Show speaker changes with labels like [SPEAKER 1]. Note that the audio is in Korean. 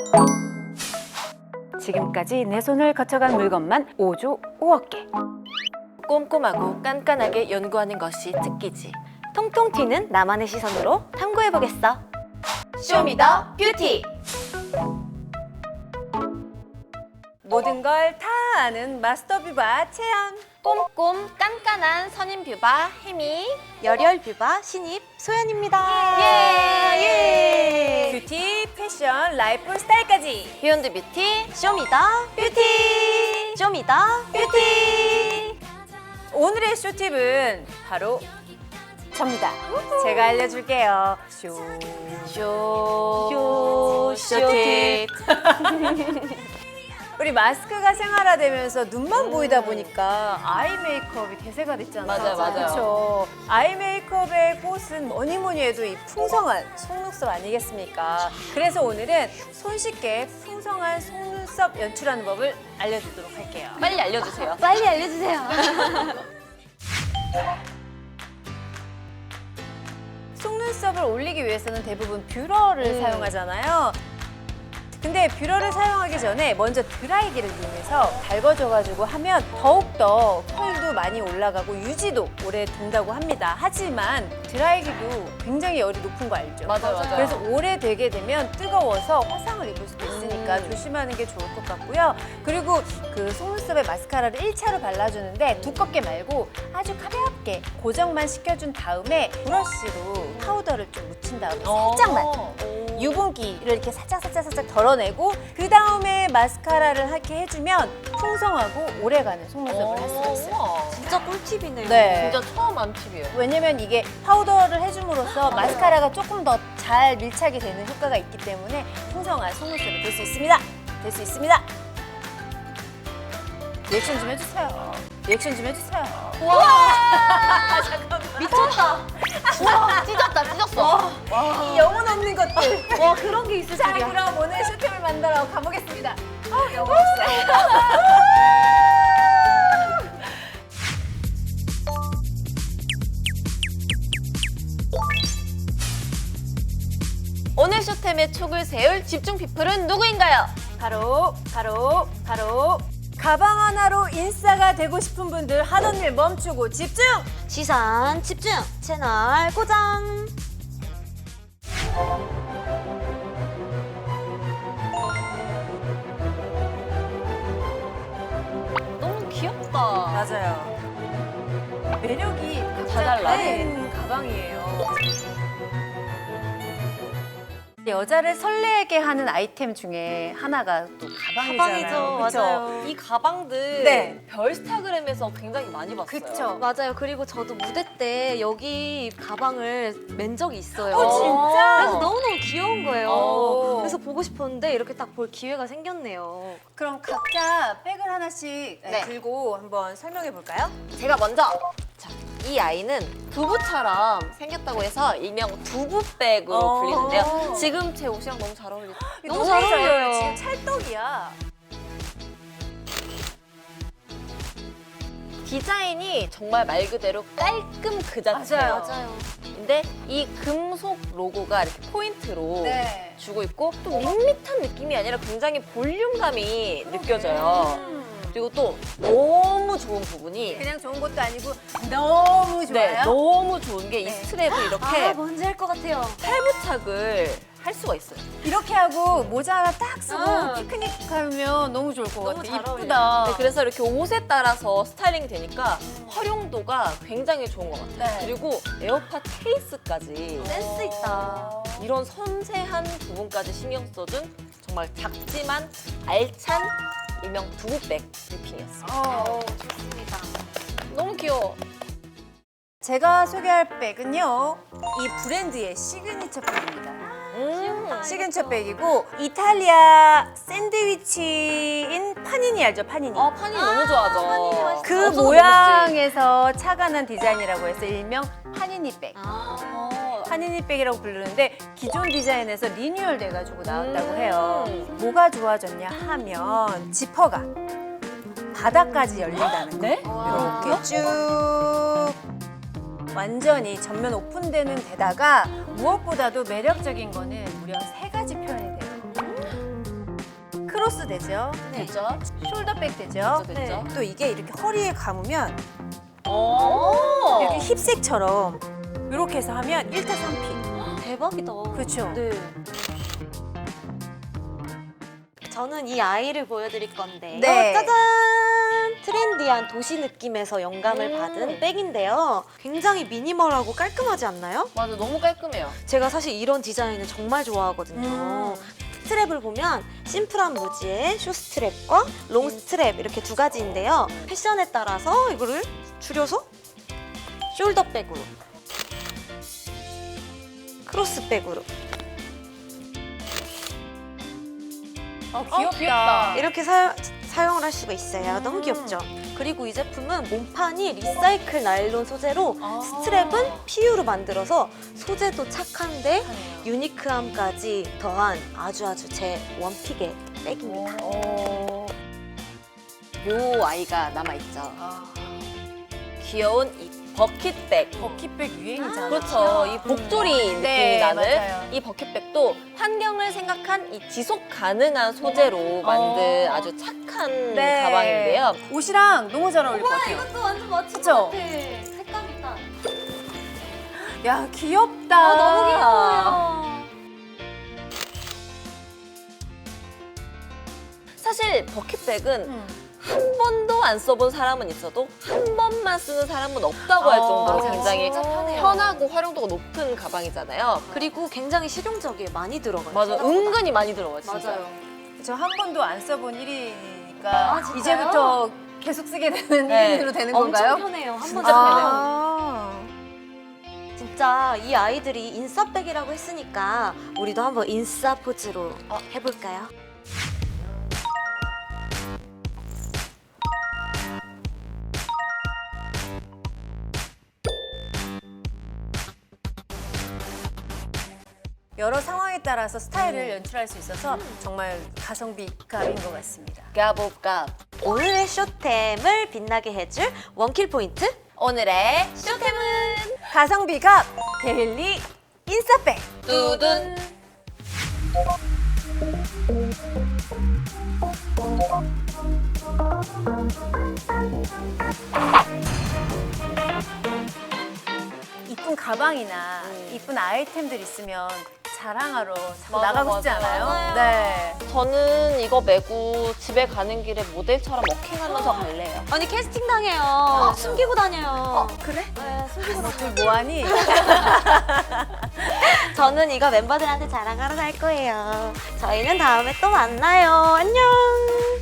[SPEAKER 1] 지금까지 내 손을 거쳐간 물건만 5조 5억 개.
[SPEAKER 2] 꼼꼼하고 깐깐하게 연구하는 것이 특기지.
[SPEAKER 3] 통통 튀는 나만의 시선으로 탐구해보겠어.
[SPEAKER 2] 쇼미더 뷰티.
[SPEAKER 1] 모든 걸 다 아는 마스터 뷰바 채연.
[SPEAKER 2] 꼼꼼 깐깐한 선임 뷰바 혜미.
[SPEAKER 3] 열혈 뷰바 신입 소연입니다.
[SPEAKER 2] 예!
[SPEAKER 1] 뷰티, 패션, 라이프 스타일까지.
[SPEAKER 2] 비욘드 뷰티.
[SPEAKER 3] 쇼미더 뷰티. 쇼미더 뷰티.
[SPEAKER 1] 오늘의 쇼팁은 바로 접니다. 제가 알려줄게요.
[SPEAKER 2] 쇼팁.
[SPEAKER 1] 우리 마스크가 생활화되면서 눈만 보이다 보니까 아이 메이크업이 대세가 됐잖아요.
[SPEAKER 2] 맞아요.
[SPEAKER 1] 그렇죠. 아이 메이크업의 꽃은 뭐니 해도 이 풍성한 속눈썹 아니겠습니까? 그래서 오늘은 손쉽게 풍성한 속눈썹 연출하는 법을 알려드리도록 할게요.
[SPEAKER 2] 빨리 알려주세요.
[SPEAKER 3] 빨리 알려주세요.
[SPEAKER 1] 속눈썹을 올리기 위해서는 대부분 뷰러를 사용하잖아요. 근데 뷰러를 사용하기 전에 먼저 드라이기를 이용해서 달궈줘가지고 하면 더욱더 펄도 많이 올라가고 유지도 오래 된다고 합니다. 하지만 드라이기도 굉장히 열이 높은 거 알죠?
[SPEAKER 2] 맞아요.
[SPEAKER 1] 그래서 오래 되게 되면 뜨거워서 화상을 입을 수도 있으니까 조심하는 게 좋을 것 같고요. 그리고 그 속눈썹에 마스카라를 1차로 발라주는데 두껍게 말고 아주 가볍게 고정만 시켜준 다음에 브러쉬로 파우더를 좀 묻힌 다음에 살짝만 유분기를 이렇게 살짝 덜어내고 그 다음에 마스카라를 하게 해주면 풍성하고 오래가는 속눈썹을 할 수가 있어요.
[SPEAKER 3] 진짜 꿀팁이네요.
[SPEAKER 1] 네.
[SPEAKER 2] 진짜 처음 안 팁이에요.
[SPEAKER 1] 왜냐면 이게 파우더를 해줌으로써 마스카라가 조금 더 잘 밀착이 되는 효과가 있기 때문에 풍성한 속눈썹이 될 수 있습니다. 될 수 있습니다. 리액션 좀 해주세요. 리액션 좀 해주세요.
[SPEAKER 3] 미쳤다.
[SPEAKER 2] 와, 찢었어.
[SPEAKER 1] 이 영혼 없는 것들.
[SPEAKER 3] 와 그런 게 있을
[SPEAKER 1] 자,
[SPEAKER 3] 줄이야.
[SPEAKER 1] 그럼 오늘 쇼템을 만들어 가보겠습니다. 영혼 없어요.
[SPEAKER 2] 오늘 쇼템의 촉을 세울 집중 피플은 누구인가요?
[SPEAKER 1] 바로 가방 하나로 인싸가 되고 싶은 분들 하던 일 멈추고 집중!
[SPEAKER 3] 시선 집중. 채널 고정.
[SPEAKER 2] 너무 귀엽다.
[SPEAKER 1] 맞아요. 매력이
[SPEAKER 2] 다 달라.
[SPEAKER 1] 다른 가방이에요. 여자를 설레게 하는 아이템 중에 하나가 또 가방이잖아요. 그쵸?
[SPEAKER 3] 맞아요.
[SPEAKER 2] 이 가방들
[SPEAKER 1] 네.
[SPEAKER 2] 별스타그램에서 굉장히 많이 봤어요.
[SPEAKER 1] 그쵸?
[SPEAKER 3] 맞아요. 그리고 저도 무대 때 여기 가방을 맨 적이 있어요.
[SPEAKER 1] 진짜?
[SPEAKER 3] 그래서 너무너무 귀여운 거예요.
[SPEAKER 1] 오.
[SPEAKER 3] 그래서 보고 싶었는데 이렇게 딱 볼 기회가 생겼네요.
[SPEAKER 1] 그럼 각자 백을 하나씩
[SPEAKER 2] 네.
[SPEAKER 1] 들고 한번 설명해 볼까요?
[SPEAKER 2] 제가 먼저 자, 이 아이는 두부처럼 생겼다고 해서 일명 두부백으로 불리는데요. 지금 제 옷이랑 너무 잘 어울리죠?
[SPEAKER 3] 너무 잘 어울려요.
[SPEAKER 1] 지금 찰떡이야.
[SPEAKER 2] 디자인이 정말 말 그대로 깔끔 그 자체예요.
[SPEAKER 1] 맞아요.
[SPEAKER 2] 근데 이 금속 로고가 이렇게 포인트로
[SPEAKER 1] 네.
[SPEAKER 2] 주고 있고 또 밋밋한 느낌이 아니라 굉장히 볼륨감이 느껴져요. 그리고 또 너무 좋은 부분이
[SPEAKER 1] 그냥 좋은 것도 아니고 너무 좋아요.
[SPEAKER 2] 네, 너무 좋은 게 이
[SPEAKER 1] 네.
[SPEAKER 2] 스트랩을 이렇게
[SPEAKER 3] 뭔지 알 것 같아요.
[SPEAKER 2] 탈부착을 할 수가 있어요.
[SPEAKER 1] 이렇게 하고 모자 하나 딱 쓰고
[SPEAKER 3] 아.
[SPEAKER 1] 피크닉 가면 너무 좋을 것
[SPEAKER 3] 너무
[SPEAKER 1] 같아.
[SPEAKER 3] 잘
[SPEAKER 1] 이쁘다.
[SPEAKER 2] 네, 그래서 이렇게 옷에 따라서 스타일링이 되니까 활용도가 굉장히 좋은 것 같아요.
[SPEAKER 1] 네.
[SPEAKER 2] 그리고 에어팟 케이스까지
[SPEAKER 3] 센스 있다.
[SPEAKER 2] 이런 섬세한 부분까지 신경 써준 정말 작지만 알찬 일명 두부백 리핑이었어요.
[SPEAKER 3] 좋습니다.
[SPEAKER 2] 너무 귀여워.
[SPEAKER 1] 제가 소개할 백은요. 이 브랜드의 시그니처 백입니다. 시그니처 백이고 이탈리아 샌드위치인 파니니 알죠? 파니니.
[SPEAKER 2] 파니 너무 좋아하죠.
[SPEAKER 1] 그
[SPEAKER 2] 없어서
[SPEAKER 1] 모양에서 착안한 디자인이라고 해서 일명 파니니 백.
[SPEAKER 2] 어,
[SPEAKER 1] 파니니 백이라고 부르는데 기존 디자인에서 리뉴얼 돼가지고 나왔다고
[SPEAKER 2] 음.
[SPEAKER 1] 해요. 뭐가 좋아졌냐 하면 지퍼가 바닥까지 열린다는 거.
[SPEAKER 2] 네?
[SPEAKER 1] 이렇게 쭉 완전히 전면 오픈되는 데다가 무엇보다도 매력적인 거는 무려 3가지 표현이 돼요. 크로스 되죠.
[SPEAKER 3] 네.
[SPEAKER 2] 됐죠?
[SPEAKER 1] 숄더백 되죠.
[SPEAKER 2] 됐죠? 됐죠?
[SPEAKER 1] 또 이게 이렇게 허리에 감으면
[SPEAKER 2] 오.
[SPEAKER 1] 이렇게 힙색처럼 이렇게 해서 하면 1타 3피.
[SPEAKER 3] 대박이다.
[SPEAKER 1] 그렇죠.
[SPEAKER 3] 네. 저는 이 아이를 보여드릴 건데
[SPEAKER 1] 네.
[SPEAKER 3] 짜잔! 트렌디한 도시 느낌에서 영감을 받은 백인데요. 굉장히 미니멀하고 깔끔하지 않나요?
[SPEAKER 2] 맞아, 너무 깔끔해요.
[SPEAKER 3] 제가 사실 이런 디자인을 정말 좋아하거든요. 스트랩을 보면 심플한 무지에 슈스트랩과 롱스트랩 이렇게 두 가지인데요. 패션에 따라서 이거를 줄여서 숄더백으로, 크로스백으로
[SPEAKER 1] 귀엽다.
[SPEAKER 3] 이렇게 사용을 할 수가 있어요. 너무 귀엽죠? 그리고 이 제품은 몸판이 리사이클 나일론 소재로 스트랩은 PU로 만들어서 소재도 착한데 유니크함까지 더한 아주 제 원픽의 백입니다.
[SPEAKER 2] 요 아이가 남아있죠. 귀여운 이 버킷백.
[SPEAKER 1] 버킷백 유행이잖아요.
[SPEAKER 2] 그렇죠. 이 복조리 느낌이
[SPEAKER 1] 네,
[SPEAKER 2] 나는
[SPEAKER 1] 맞아요.
[SPEAKER 2] 이 버킷백도 환경을 생각한 이 지속 가능한 소재로 만든 아주 착한
[SPEAKER 1] 네.
[SPEAKER 2] 가방인데요.
[SPEAKER 1] 옷이랑 너무 잘 어울릴 것 같아요.
[SPEAKER 3] 이것도 완전 멋진
[SPEAKER 1] 그쵸?
[SPEAKER 3] 것 같아. 색감 있다.
[SPEAKER 1] 야, 귀엽다.
[SPEAKER 3] 너무 귀여워요.
[SPEAKER 2] 사실 버킷백은 한 번도 안 써본 사람은 있어도 한 번만 쓰는 사람은 없다고 할 정도로
[SPEAKER 1] 맞아요.
[SPEAKER 2] 굉장히
[SPEAKER 3] 진짜 편해요.
[SPEAKER 2] 편하고 활용도가 높은 가방이잖아요.
[SPEAKER 3] 그리고 굉장히 실용적이에요. 많이 들어가요.
[SPEAKER 2] 맞아,
[SPEAKER 3] 생각보다.
[SPEAKER 2] 은근히 많이 들어가요, 진짜.
[SPEAKER 3] 맞아요.
[SPEAKER 1] 저 한 번도 안 써본 1인이니까
[SPEAKER 3] 아, 진짜요?
[SPEAKER 1] 이제부터 계속 쓰게 되는
[SPEAKER 2] 네.
[SPEAKER 1] 1인으로 되는
[SPEAKER 3] 엄청
[SPEAKER 1] 건가요?
[SPEAKER 3] 편해요. 한
[SPEAKER 2] 진짜
[SPEAKER 3] 번
[SPEAKER 1] 아.
[SPEAKER 3] 진짜 이 아이들이 인싸백이라고 했으니까 우리도 한번 인싸 포즈로 해볼까요?
[SPEAKER 1] 여러 상황에 따라서 스타일을 연출할 수 있어서 정말 가성비 갑인 것 같습니다.
[SPEAKER 2] 가볼까?
[SPEAKER 3] 오늘의 쇼템을 빛나게 해줄 원킬 포인트
[SPEAKER 2] 오늘의 쇼템은
[SPEAKER 1] 가성비 갑 데일리 인싸백.
[SPEAKER 2] 두둔.
[SPEAKER 1] 이쁜 가방이나 이쁜 아이템들 있으면 자랑하러 자꾸
[SPEAKER 2] 맞아,
[SPEAKER 1] 나가고 싶지
[SPEAKER 2] 맞아.
[SPEAKER 1] 않아요?
[SPEAKER 2] 맞아요.
[SPEAKER 1] 네.
[SPEAKER 2] 저는 이거 메고 집에 가는 길에 모델처럼 워킹하면서 갈래요.
[SPEAKER 3] 아니 캐스팅 당해요. 숨기고 다녀요.
[SPEAKER 1] 그래?
[SPEAKER 3] 네, 숨기고 다녀요.
[SPEAKER 1] 너둘 뭐하니?
[SPEAKER 3] 저는 이거 멤버들한테 자랑하러 갈 거예요. 저희는 다음에 또 만나요. 안녕.